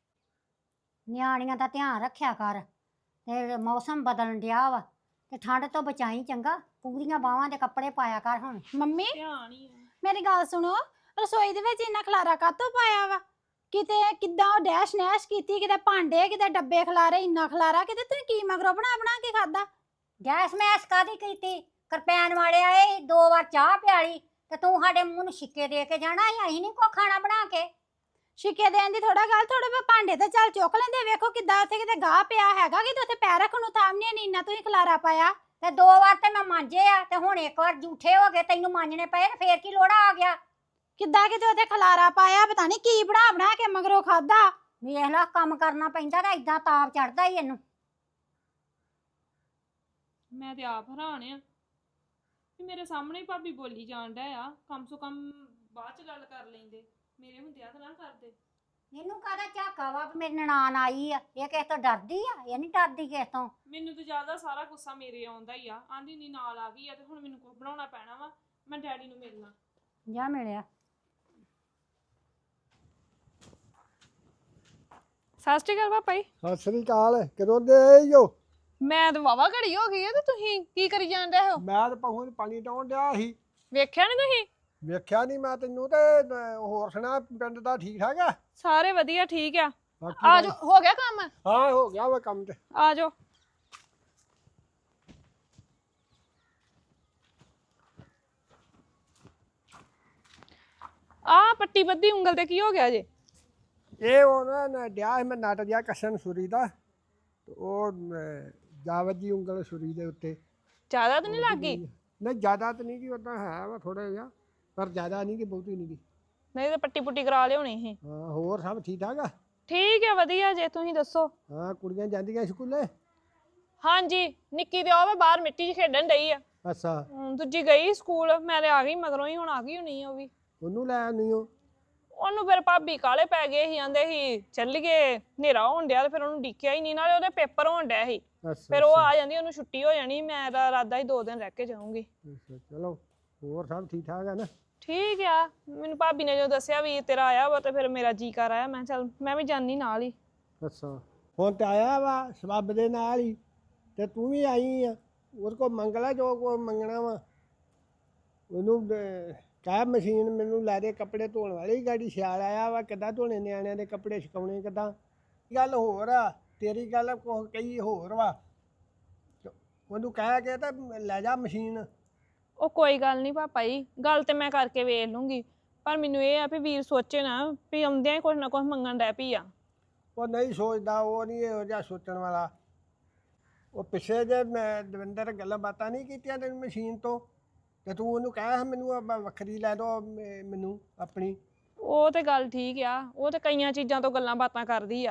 S6: ਨਿਆਣੀਆਂ ਦਾ ਧਿਆਨ ਰੱਖਿਆ ਕਰ। ਤੇ ਮੌਸਮ ਬਦਲਣ ਡਿਆ ਵਾ, ਤੇ ਠੰਡ ਤੋਂ ਬਚਾਈ ਚੰਗਾ। ਪੂਰੀਆਂ ਬਾਹਾਂ ਦੇ ਕੱਪੜੇ ਪਾਇਆ ਕਰ ਹੁਣ।
S2: ਮੰਮੀ
S1: ਧਿਆਨ ਹੀ ਆ।
S2: ਮੇਰੀ ਗੱਲ ਸੁਣੋ, ਰਸੋਈ ਦੇ ਵਿੱਚ ਇੰਨਾ ਖਲਾਰਾ ਕਾਹਤੋਂ ਪਾਇਆ ਵਾ? ਕਿਤੇ ਕਿੱਦਾਂ ਉਹ ਡੈਸ਼ ਨੈਸ਼ ਕੀਤੀ, ਕਿਤੇ ਭਾਂਡੇ ਕਿਤੇ ਡੱਬੇ ਖਲਾਰੇ, ਇੰਨਾ ਖਲਾਰਾ। ਕਿਤੇ ਤੁਸੀਂ ਕੀ ਮਗਰੋਂ ਬਣਾ ਬਣਾ ਕੇ ਖਾਦਾ?
S6: ਗੈਸ ਮੈਸ ਕਾਦੀ ਕੀਤੀ? ਕਰਪੈਨ ਵਾਲੇ ਆਏ, ਦੋ ਵਾਰ ਚਾਹ ਪਿਆਲੀ, ਤੇ ਤੂੰ ਸਾਡੇ ਮੂੰਹ ਨੂੰ ਛਿੱਕੇ ਦੇ ਕੇ ਜਾਣਾ ਸੀ। ਅਸੀਂ ਨਹੀਂ ਕੋ ਖਾਣਾ ਬਣਾ ਕੇ।
S2: ਸ਼ਿਕੇ ਦੇਣ ਦੀ ਥੋੜਾ ਗੱਲ, ਥੋੜੇ ਬਹੁਤ ਭਾਂਡੇ ਤੇ ਚੱਲ ਚੁੱਕ ਲੈਂਦੇ। ਵੇਖੋ ਕਿੱਦਾਂ ਉੱਥੇ ਕਿਤੇ ਗਾਹ ਪਿਆ ਹੈਗਾ, ਕਿ ਉੱਥੇ ਪੈਰ ਰੱਖਣ ਨੂੰ ਥਾਂ ਨਹੀਂ। ਇੰਨਾ ਤੁਸੀਂ ਖਲਾਰਾ ਪਾਇਆ।
S6: ਤੇ ਦੋ ਵਾਰ ਤੇ ਮੈਂ ਮਾਂਜੇ ਆ, ਤੇ ਹੁਣ ਇੱਕ ਵਾਰ ਝੂਠੇ ਹੋ ਗਏ, ਤੈਨੂੰ ਮਾਂਜਣੇ ਪਏ, ਤੇ ਫੇਰ ਕੀ ਲੋੜਾ ਆ ਗਿਆ?
S2: ਕਿੱਦਾਂ ਕਿਤੇ ਉੱਥੇ ਖਲਾਰਾ ਪਾਇਆ, ਪਤਾ ਨਹੀਂ ਕੀ ਬਣਾ ਬਣਾ ਕੇ ਮਗਰੋਂ ਖਾਦਾ।
S6: ਵੇਖ ਲਾ, ਕੰਮ ਕਰਨਾ ਪੈਂਦਾ ਤਾਂ ਇਦਾਂ ਤਾਪ ਚੜਦਾ ਹੀ ਇਹਨੂੰ।
S1: ਮੈਂ ਤੇ ਆਪ ਹੈਰਾਨ ਆ ਵੀ ਮੇਰੇ ਸਾਹਮਣੇ ਹੀ ਭਾਬੀ ਬੋਲੀ ਜਾਣ ਡਿਆ ਆ। ਕਮ ਸੋ ਕਮ ਬਾਅਦ ਚ ਗੱਲ ਕਰ ਲੈਂਦੇ, ਮੇਰੇ ਹੁੰਦਿਆਂ ਤਾਂ ਨਾ ਕਰਦੇ।
S6: ਇਹਨੂੰ ਕਾਹਦਾ ਝਾਕਾ ਵਾ ਵੀ ਮੇਰੀ ਨਨਾਣ ਆਈ ਆ? ਇਹ ਕਿਸੇ ਤੋਂ ਡਰਦੀ ਆ? ਇਹ ਨਹੀਂ ਡਰਦੀ ਕਿਸੇ ਤੋਂ।
S1: ਮੈਨੂੰ ਤਾਂ ਜ਼ਿਆਦਾ ਸਾਰਾ ਗੁੱਸਾ ਮੇਰੇ ਆਉਂਦਾ ਹੀ ਆ। ਆਂਦੀ ਨਹੀਂ ਨਾਲ ਆ ਗਈ ਆ, ਤੇ ਹੁਣ ਮੈਨੂੰ ਕੁਝ ਬਣਾਉਣਾ ਪੈਣਾ ਵਾ। ਮੈਂ ਡੈਡੀ ਨੂੰ ਮਿਲਣਾ।
S6: ਜਾ ਮਿਲਿਆ।
S1: ਸਤਿ ਸ਼੍ਰੀ ਅਕਾਲ ਪਾਪਾ ਜੀ।
S7: ਸਤਿ ਸ੍ਰੀ ਅਕਾਲ। ਕਦੋਂ ਦੇ ਆਏ ਹੋ?
S1: ਮੈਂ ਤਾਂ ਵਾਵਾ ਘੜੀ ਹੋ ਗਈ ਆ, ਤੇ ਤੁਸੀਂ ਕੀ ਕਰੀ ਜਾਂਦੇ ਹੋ?
S7: ਮੈਂ ਤਾਂ ਪਹੂ ਨੂੰ ਪਾਣੀ ਡਾਉਣ ਡਿਆ ਸੀ।
S1: ਵੇਖਿਆ ਨਹੀਂ ਤੁਸੀਂ?
S7: ਵੇਖਿਆ ਨਹੀਂ ਮੈਂ ਤੈਨੂੰ। ਤੇ ਅਹ, ਹੋਰ ਸੁਣਾ, ਪਿੰਡ ਦਾ ਠੀਕ ਠਾਕ ਆ?
S1: ਸਾਰੇ ਵਧੀਆ, ਠੀਕ ਆ।
S7: ਬਾਕੀ
S1: ਆ ਜਾਓ, ਹੋ ਗਿਆ ਕੰਮ?
S7: ਹਾਂ, ਹੋ ਗਿਆ ਵਾ ਕੰਮ ਤੇ।
S1: ਆ ਜਾਓ। ਆ ਪੱਟੀ ਬੱਧੀ ਉਂਗਲ ਤੇ ਕੀ ਹੋ ਗਿਆ ਜੇ?
S7: ਇਹ ਉਹ ਨਾ ਨਾ ਡਿਆ ਸੀ ਮੈਂ ਨਟ ਜਿਹਾ ਕੱਸਣ ਸੁਰੀ ਦਾ, ਤੇ ਉਹ ਅਹ, ਜਾ ਵੱਜੀ ਉਂਗਲ ਸੁਰੀ ਦੇ ਉੱਤੇ।
S1: ਜ਼ਿਆਦਾ ਤਾਂ ਨਹੀਂ ਲੱਗ ਗਈ?
S7: ਨਹੀਂ ਜ਼ਿਆਦਾ ਤਾਂ ਨਹੀਂ, ਕਿ ਉਦਾਂ ਹੈ ਵਾ ਥੋੜਾ ਜਿਹਾ, ਪਰ ਜ਼ਿਆਦਾ ਨਹੀਂ, ਕਿ ਬਹੁਤੀ ਨਹੀਂ ਗੀ।
S1: ਨਹੀਂ ਤੇ ਪੱਟੀ ਪੁੱਟੀ ਕਰਾ ਲਿਆਉਣੀ ਸੀ।
S7: ਹਾਂ, ਹੋਰ ਸਭ ਠੀਕ ਠਾਕ ਆ?
S1: ਠੀਕ ਹੈ, ਵਧੀਆ ਜੇ ਤੁਸੀਂ ਦੱਸੋ।
S7: ਹਾਂ, ਕੁੜੀਆਂ ਜਾਂਦੀਆਂ ਸਕੂਲੇ?
S1: ਹਾਂਜੀ, ਨਿੱਕੀ ਤੇ ਉਹ ਵਾ ਬਾਹਰ ਮਿੱਟੀ 'ਚ ਖੇਡਣ ਡਈ ਆ।
S7: ਅੱਛਾ।
S1: ਹਮ, ਦੂਜੀ ਗਈ ਸਕੂਲ, ਮੈਂ ਤੇ ਆ ਗਈ ਮਗਰੋਂ ਹੀ। ਹੁਣ ਆ ਗਈ ਹੋਣੀ ਆ ਉਹ ਵੀ।
S7: ਉਹਨੂੰ ਲੈ ਆਉਂਦੀ ਹੋ?
S1: ਉਹਨੂੰ ਫਿਰ ਭਾਬੀ ਕਾਲੇ ਪੈ ਗਏ ਸੀ, ਆਂਦੇ ਸੀ ਚੱਲੀਏ, ਹਨੇਰਾ ਹੋਣ ਡਿਆ, ਤੇ ਫਿਰ ਉਹਨੂੰ ਡਿੱਕਿਆ ਹੀ ਨਹੀਂ। ਨਾਲੇ ਉਹਦੇ ਪੇਪਰ ਹੋਣ ਡਿਆ ਸੀ,
S7: ਅੱਛਾ
S1: ਫਿਰ ਉਹ ਆ ਜਾਂਦੀ, ਉਹਨੂੰ ਛੁੱਟੀ ਹੋ ਜਾਣੀ। ਮੈਂ ਤਾਂ ਇਰਾਦਾ ਹੀ ਦੋ ਦਿਨ ਰਹਿ ਕੇ ਜਾਊਂਗੀ।
S7: ਅੱਛਾ, ਚਲੋ ਹੋਰ ਸਭ ਠੀਕ ਠਾਕ ਆ ਨਾ?
S1: ਠੀਕ ਆ। ਮੈਨੂੰ ਭਾਬੀ ਨੇ ਜਦੋਂ ਦੱਸਿਆ ਵੀ ਤੇਰਾ ਆਇਆ ਵਾ, ਤੇ ਫਿਰ ਮੇਰਾ ਜੀ ਕਰ ਆਇਆ। ਮੈਂ ਚੱਲ ਮੈਂ ਵੀ ਜਾਨੀ ਨਾਲ ਹੀ।
S7: ਅੱਛਾ, ਹੁਣ ਤੇ ਆਇਆ ਵਾ ਸਬੱਬ ਦੇ ਨਾਲ ਹੀ, ਤੇ ਤੂੰ ਵੀ ਆਈ ਆ। ਉਹਦੇ ਕੋਲ ਮੰਗ ਲੈ ਜੋ ਕੋ ਮੰਗਣਾ ਵਾ। ਉਹਨੂੰ ਅਹ, ਕਹਿ ਮਸ਼ੀਨ ਮੈਨੂੰ ਲੈ ਦੇ, ਕੱਪੜੇ ਧੋਣ ਵਾਲੀ ਗਾੜੀ ਸਿਆਲ ਆਇਆ ਵਾ, ਕਿੱਦਾਂ ਧੋਣੇ ਨਿਆਣਿਆਂ ਦੇ ਕੱਪੜੇ, ਸੁਕਾਉਣੇ ਕਿੱਦਾਂ। ਗੱਲ ਹੋਰ ਆ, ਤੇਰੀ ਗੱਲ ਕੋ ਕਈ ਹੋਰ ਵਾ। ਉਹਨੂੰ ਕਹਿ ਕੇ ਤਾਂ ਲੈ ਜਾ ਮਸ਼ੀਨ।
S1: ਉਹ ਕੋਈ ਗੱਲ ਨਹੀਂ ਪਾਪਾ ਜੀ, ਗੱਲ ਤੇ ਮੈਂ ਕਰਕੇ ਵੇਖ ਲੂੰਗੀ। ਪਰ ਮੈਨੂੰ ਇਹ ਆ ਵੀ ਵੀਰ ਸੋਚੇ ਨਾ ਵੀ ਆਉਂਦਿਆਂ ਹੀ ਕੁਛ ਨਾ ਕੁਛ ਮੰਗਣ ਡੈ ਪਈ ਆ।
S7: ਉਹ ਨਹੀਂ ਸੋਚਦਾ, ਉਹ ਨਹੀਂ ਇਹੋ ਜਿਹਾ ਸੋਚਣ ਵਾਲਾ। ਉਹ ਪਿੱਛੇ ਜੇ ਮੈਂ ਦਵਿੰਦਰ ਗੱਲਾਂ ਬਾਤਾਂ ਨਹੀਂ ਕੀਤੀਆਂ ਤੈਨੂੰ ਮਸ਼ੀਨ ਤੋਂ, ਤੇ ਤੂੰ ਉਹਨੂੰ ਕਹਿ ਮੈਨੂੰ ਆਹ ਵੱਖਰੀ ਲੈ ਦੋ ਮੈਨੂੰ ਆਪਣੀ।
S1: ਉਹ ਤੇ ਗੱਲ ਠੀਕ ਆ, ਉਹ ਤੇ ਕਈਆਂ ਚੀਜ਼ਾਂ ਤੋਂ ਗੱਲਾਂ ਬਾਤਾਂ ਕਰਦੀ ਆ।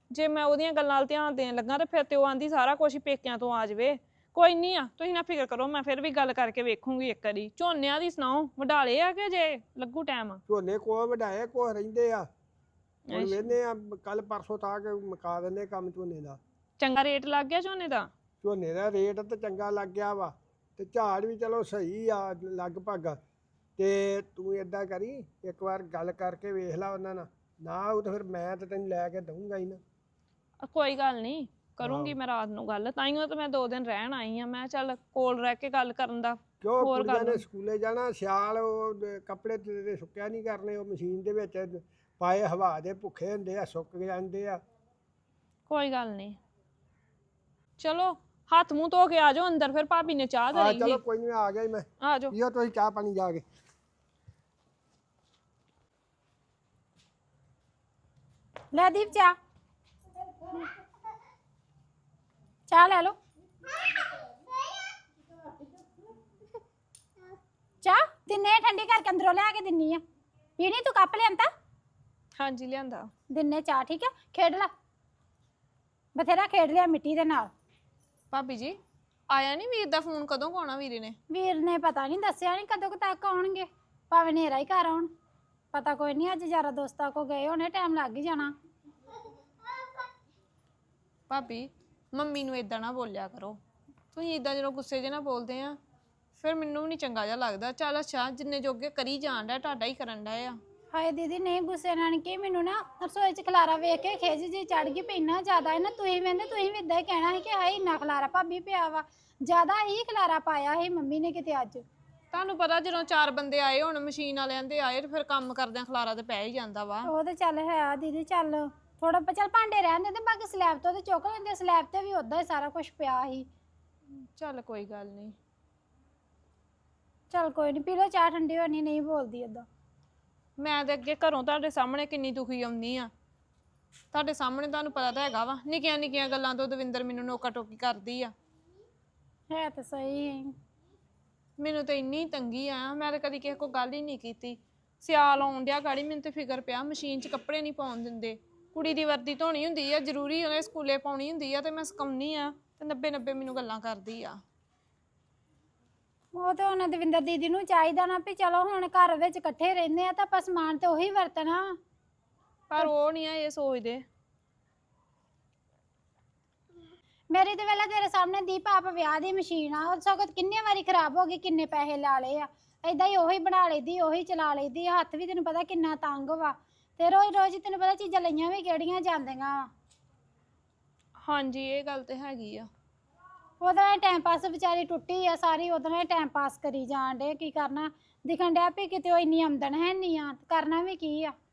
S1: ਜੇ ਮੈਂ ਉਹਦੀਆਂ ਗੱਲਾਂ ਵੱਲ ਧਿਆਨ ਦੇਣ ਲੱਗਾ ਤੇ ਫਿਰ ਤੇ ਉਹ ਆਂਦੀ ਸਾਰਾ ਕੁਝ ਹੀ ਪੇਕਿਆਂ ਤੋਂ ਆ ਜਾਵੇ। ਕੋਈ ਨਹੀਂ ਆ, ਤੁਸੀਂ ਨਾ ਫਿਕਰ ਕਰੋ, ਮੈਂ ਫਿਰ ਵੀ ਗੱਲ ਕਰਕੇ ਵੇਖੂੰਗੀ ਇੱਕ ਵਾਰੀ। ਝੋਨਿਆਂ ਦੀ ਸੁਣਾਓ, ਵਢਾਲੇ ਆ ਕਿ ਜੇ ਲੱਗੂ ਟਾਈਮ?
S7: ਝੋਨੇ ਕੋ ਵਢਾਏ ਕੋ ਰਹਿੰਦੇ ਆ, ਹੁਣ ਵੇਨੇ ਆ ਕੱਲ ਪਰਸੋਂ ਤੱਕ ਮੁਕਾ ਦਿੰਦੇ ਕੰਮ ਝੋਨੇ ਦਾ।
S1: ਚੰਗਾ ਰੇਟ ਲੱਗ ਗਿਆ ਝੋਨੇ ਦਾ?
S7: ਝੋਨੇ ਦਾ ਰੇਟ ਤਾਂ ਚੰਗਾ ਲੱਗ ਗਿਆ ਵਾ ਤੇ ਝਾੜ ਵੀ ਚਲੋ ਸਹੀ ਆ ਲਗਭਗ। ਤੇ ਤੂੰ ਏਦਾਂ ਕਰੀ, ਇੱਕ ਵਾਰ ਗੱਲ ਕਰਕੇ ਵੇਖ ਲੈ ਉਹਨਾਂ ਨਾਲ, ਨਾ ਉਹ ਤਾਂ ਫਿਰ ਮੈਂ ਤਾਂ ਤੈਨੂੰ ਲੈ ਕੇ ਦਊਂਗਾ ਹੀ ਨਾ।
S1: ਅ, ਕੋਈ ਗੱਲ ਨਹੀਂ, ਕਰੂੰਗੀ ਮੈਂ ਰਾਤ ਨੂੰ ਗੱਲ। ਤਾਈਓ ਤਾਂ ਮੈਂ ਦੋ ਦਿਨ ਰਹਿਣ ਆਈ ਆ। ਮੈਂ ਚੱਲ ਕੋਲ ਰਹਿ ਕੇ ਗੱਲ ਕਰਨ ਦਾ
S7: ਕਿਉਂ
S1: ਹੋਰ
S7: ਕੁੜੀਆਂ
S1: ਗੱਲ
S7: ਨੇ ਸਕੂਲੇ ਜਾਣਾ, ਸਿਆਲ ਉਹ ਦ- ਕੱਪੜੇ ਤੇਰੇ ਸੁੱਕਿਆ ਨਹੀਂ ਕਰਨੇ, ਉਹ ਮਸ਼ੀਨ ਦੇ ਵਿੱਚ ਪਾਏ ਹਵਾ ਦੇ ਭੁੱਖੇ ਹੁੰਦੇ ਆ, ਸੁੱਕ ਜਾਂਦੇ ਆ।
S1: ਕੋਈ ਗੱਲ ਨਹੀਂ। ਚਲੋ ਹੱਥ ਮੂੰਹ ਧੋ ਕੇ ਆ ਜਾਓ ਅੰਦਰ, ਫਿਰ ਭਾਬੀ ਨੇ ਚਾਹ
S7: ਆ
S1: ਧਰੀ
S7: ਚਲੋ
S1: ਸੀ।
S7: ਕੋਈ ਨਹੀਂ, ਆ ਗਿਆ ਹੀ ਮੈਂ।
S1: ਆ ਜਾਓ।
S7: ਪੀਓ ਤੁਸੀਂ ਚਾਹ ਪਾਣੀ ਜਾ ਕੇ।
S2: ਲੈ ਦੀਪ ਚਾਹ ਚਾਹ ਲੈ ਲਓ। ਚਾਹ ਦਿਨੇ ਠੰਡੀ ਕਰਕੇ ਅੰਦਰੋਂ ਲੈ ਕੇ ਦਿੰਨੀ ਆ, ਪੀਣੀ ਤੂੰ ਕੱਪ ਲਿਆਂਦਾ?
S1: ਹਾਂਜੀ ਲਿਆਂਦਾ।
S2: ਦਿਨੇ ਚਾਹ, ਠੀਕ ਆ? ਖੇਡ ਲੈ, ਬਥੇਰਾ ਖੇਡ ਲਿਆ ਮਿੱਟੀ ਦੇ ਨਾਲ।
S1: ਭਾਬੀ ਜੀ ਆਇਆ ਨਹੀਂ ਵੀਰ ਦਾ ਫੋਨ? ਕਦੋਂ ਆਉਣਾ ਵੀਰੇ ਨੇ?
S2: ਵੀਰ ਨੇ ਪਤਾ ਨਹੀਂ ਦੱਸਿਆ, ਨਹੀਂ ਕਦੋਂ ਕੁ ਤੱਕ ਆਉਣਗੇ, ਭਾਵੇਂ ਹਨੇਰਾ ਹੀ ਘਰ ਆਉਣ, ਪਤਾ ਕੋਈ ਨਹੀਂ। ਅੱਜ ਯਾਰਾ ਦੋਸਤਾਂ ਕੋ ਗਏ ਹੋਣੇ, ਟਾਈਮ ਲੱਗ ਹੀ ਜਾਣਾ।
S1: ਭਾਬੀ ਮੰਮੀ ਨੂੰ ਇਦਾਂ ਨਾ ਬੋਲਿਆ ਕਰੋ, ਤੁਸੀਂ ਇਦਾਂ ਜਦੋਂ ਗੁੱਸੇ 'ਚ ਨਾ ਬੋਲਦੇ ਆ ਫਿਰ ਮੈਨੂੰ ਵੀ ਨਹੀਂ ਚੰਗਾ ਜਿਹਾ ਲੱਗਦਾ। ਚੱਲ ਅੱਛਾ, ਜਿੰਨੇ ਜੋਗੇ ਕਰੀ ਜਾਣ ਡਿਆ, ਤੁਹਾਡਾ ਹੀ ਕਰਨ ਡਿਆ ਆ।
S2: ਹਾਏ ਦੀਦੀ ਨਹੀਂ ਗੁੱਸੇ ਨਾਲ ਕਿ ਮੈਨੂੰ ਨਾ ਰਸੋਈ 'ਚ ਖਲਾਰਾ ਵੇਖ ਕੇ ਖਿਜ ਜੀ ਚੜ ਗਈ ਪਈ, ਇੰਨਾ ਜ਼ਿਆਦਾ ਹੈ ਨਾ। ਤੁਸੀਂ ਕਹਿੰਦੇ ਤੁਸੀਂ ਵੀ ਇਦਾਂ ਹੀ ਕਹਿਣਾ ਸੀ ਕਿ ਹਾਏ ਇੰਨਾ ਖਲਾਰਾ ਭਾਬੀ ਪਿਆ ਵਾ, ਜ਼ਿਆਦਾ ਹੀ ਖਲਾਰਾ ਪਾਇਆ ਸੀ ਮੰਮੀ ਨੇ ਕਿਤੇ ਅੱਜ।
S1: ਤੁਹਾਨੂੰ ਪਤਾ ਜਦੋਂ ਚਾਰ ਬੰਦੇ ਆਏ ਹੁਣ ਮਸ਼ੀਨ ਵਾਲਿਆਂ ਦੇ ਆਏ ਤੇ ਫਿਰ ਕੰਮ ਕਰਦਿਆਂ ਖਲਾਰਾ ਤੇ ਪੈ ਹੀ ਜਾਂਦਾ ਵਾ।
S2: ਉਹ ਤੇ ਚੱਲ ਹੈ ਦੀਦੀ, ਚੱਲ ਥੋੜਾ ਚੱਲ ਭਾਂਡੇ ਰਹਿਣ ਦੇ ਤੇ ਬਾਕੀ ਸਲੈਬ ਤੋਂ ਤੇ ਚੁੱਕ ਲੈਂਦੇ, ਸਲੈਬ ਤੇ ਵੀ ਉਦਾਂ ਹੀ ਸਾਰਾ ਕੁਝ ਪਿਆ ਸੀ।
S1: ਚੱਲ ਕੋਈ ਗੱਲ ਨਹੀਂ।
S2: ਚੱਲ ਕੋਈ ਨਹੀਂ, ਪੀ ਲਓ ਚਾਹ, ਠੰਡੀ ਹੋਣੀ, ਨਹੀਂ ਬੋਲਦੀ ਏਦਾਂ।
S1: ਮੈਂ ਤੇ ਅੱਗੇ ਘਰੋਂ ਤੁਹਾਡੇ ਸਾਹਮਣੇ ਕਿੰਨੀ ਦੁਖੀ ਆਉਂਦੀ ਆ, ਤੁਹਾਡੇ ਸਾਹਮਣੇ ਤੁਹਾਨੂੰ ਪਤਾ ਤਾਂ ਹੈਗਾ ਵਾ, ਨਿੱਕੀਆਂ ਨਿੱਕੀਆਂ ਗੱਲਾਂ ਤੋਂ ਦਵਿੰਦਰ ਮੈਨੂੰ ਨੋਕਾ ਟੋਕੀ ਕਰਦੀ ਆ।
S2: ਹੈ ਤਾਂ ਸਹੀ ਹੈ।
S1: ਮੈਨੂੰ ਤਾਂ ਇੰਨੀ ਤੰਗੀ ਆ, ਮੈਂ ਤਾਂ ਕਦੀ ਕਿਸੇ ਕੋਲ ਗੱਲ ਹੀ ਨਹੀਂ ਕੀਤੀ। ਸਿਆਲ ਆਉਣ ਡਿਆ ਗਾੜੀ, ਮੈਨੂੰ ਤੇ ਫਿਕਰ ਪਿਆ ਮਸ਼ੀਨ 'ਚ ਕੱਪੜੇ ਨਹੀਂ ਪਾਉਣ ਦਿੰਦੇ। ਕੁੜੀ ਦੀ ਵਰਦੀ ਧੋਣੀ ਹੁੰਦੀ ਆ, ਜ਼ਰੂਰੀ ਉਹਨੇ ਸਕੂਲੇ ਪਾਉਣੀ ਹੁੰਦੀ ਆ, ਤੇ ਮੈਂ ਸੁਕਾਉਣੀ ਆ ਤੇ ਨੱਬੇ ਨੱਬੇ ਮੈਨੂੰ ਗੱਲਾਂ ਕਰਦੀ ਆ।
S2: ਉਹ ਤਾਂ ਉਹਨਾਂ ਦਵਿੰਦਰ ਦੀਦੀ ਨੂੰ ਚਾਹੀਦਾ ਨਾ ਵੀ ਚਲੋ ਹੁਣ ਘਰ ਵਿੱਚ ਇਕੱਠੇ ਰਹਿੰਦੇ ਆ ਤਾਂ ਆਪਾਂ ਸਮਾਨ ਤੇ ਉਹੀ ਵਰਤਣਾ।
S1: ਪਰ ਉਹ ਨਹੀਂ ਆ ਇਹ ਸੋਚਦੇ।
S2: ਮੇਰੀ ਤੇ ਵੇਲਾ ਤੇਰੇ ਸਾਹਮਣੇ ਦੀਪ ਆਪ ਵਿਆਹ ਦੀ ਮਸ਼ੀਨ ਆ, ਉਹ ਸਗੋਂ ਕਿੰਨੇ ਵਾਰੀ ਖਰਾਬ ਹੋ ਗਈ, ਕਿੰਨੇ ਪੈਸੇ ਲਾ ਲਏ ਆ। ਏਦਾਂ ਹੀ ਉਹੀ ਬਣਾ ਲਈਦੀ, ਉਹੀ ਚਲਾ ਲਈਦੀ, ਹੱਥ ਵੀ ਤੈਨੂੰ ਪਤਾ ਕਿੰਨਾ ਤੰਗ ਵਾ, ਤੇ ਰੋਜ਼ ਰੋਜ਼ ਤੈਨੂੰ ਪਤਾ ਚੀਜ਼ਾਂ ਲਈਆਂ ਵੀ ਕਿਹੜੀਆਂ ਜਾਂਦੀਆਂ।
S1: ਹਾਂਜੀ ਇਹ ਗੱਲ ਤੇ ਹੈਗੀ ਆ।
S2: ਉਹਦੇ ਨਾਲ ਟਾਈਮ ਪਾਸ ਵਿਚਾਰੀ ਟੁੱਟੀ ਆ ਸਾਰੀ, ਉਹਦੇ ਨਾਲ ਟਾਈਮ ਪਾਸ ਕਰੀ ਜਾਣ ਡੇ। ਕੀ ਕਰਨਾ, ਦਿਖਣ ਡਿਆ ਵੀ ਕਿਤੇ ਉਹ ਇੰਨੀ ਆਮਦਨ ਹੈ ਨਹੀਂ ਆ, ਕਰਨਾ ਵੀ ਕੀ ਆ।